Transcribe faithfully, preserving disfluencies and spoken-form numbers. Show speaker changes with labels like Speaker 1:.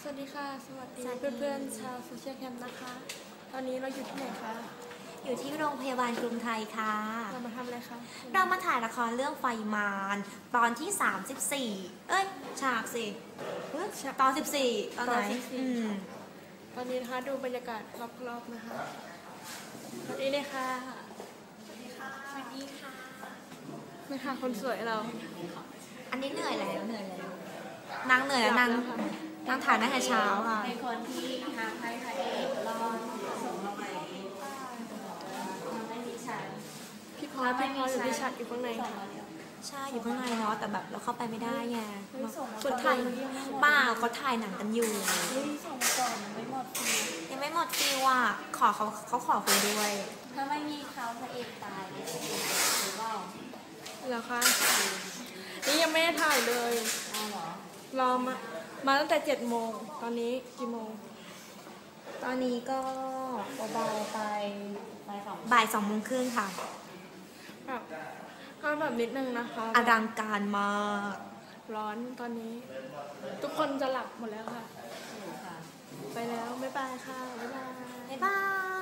Speaker 1: วัสดีค่ะสวัสดีเพื่อนๆชาวโซเชียลแคมป์นะคะตอนนี้เราอยู่ที่ไหนคะ
Speaker 2: อยู่ที่โรงพยาบาลกรุงไทยค่ะ
Speaker 1: เรามาทำอะไรคะ
Speaker 2: เรามาถ่ายละครเรื่องไฟมารตอนที่สามสิบสี่เอ้ยฉากสิตอนสิบสี่ตอนไหนอืม
Speaker 1: ตอนนี้นะคะดูบรรยากาศรอบๆนะคะสวัสดีเลยค่ะ
Speaker 2: สวัสดีค่ะสวัสดีค่ะ
Speaker 1: นี่ค่ะคนสวยเรา
Speaker 2: อันนี้เหนื่อยแล้วเหนื่อยแล้วนางเหนื่อยแล้วนางนางถ่ายตั้งแต่เช้าค่ะ
Speaker 3: เป็นคนที่ทำให้พระเอกรอดส่งมาใหม่ไม่มีฉัน
Speaker 1: พี่พอพี่พออยู่ที่ฉัดอยู่ข้างใน
Speaker 2: ใช่อยู่ข้างในเนาะแต่แบบเราเข้าไปไม่ได้ไง
Speaker 1: คนถ่าย
Speaker 2: ป้าเขาถ่ายหนังกันอยู่
Speaker 3: ส่งมาก่อนมันไม่หมดฟิล
Speaker 2: ยังไม่หมดฟิลอ่ะขอเขาเขาขอคุยด้วย
Speaker 3: ถ้าไม่มีเขาพระเอกตายเลยหรือเปล่า
Speaker 1: เหรอคะนี่ยังไม่ได้ถ่ายเลย
Speaker 3: อ้าวเหรอ
Speaker 1: รอมามาตั้งแต่เจ็ดโมงตอนนี้กี่โมง
Speaker 2: ตอนนี้ก็
Speaker 3: เบาๆไป
Speaker 2: บ่ายสองโมงครึ่งค่ะ
Speaker 1: แบบก็แบบนิดนึงนะคะ
Speaker 2: อลังการมาก
Speaker 1: ร้อนตอนนี้ ทุกคนจะหลับหมดแล้วค่ะไปแล้วบ๊ายบายค่ะบ๊ายบาย
Speaker 2: บ๊ายบาย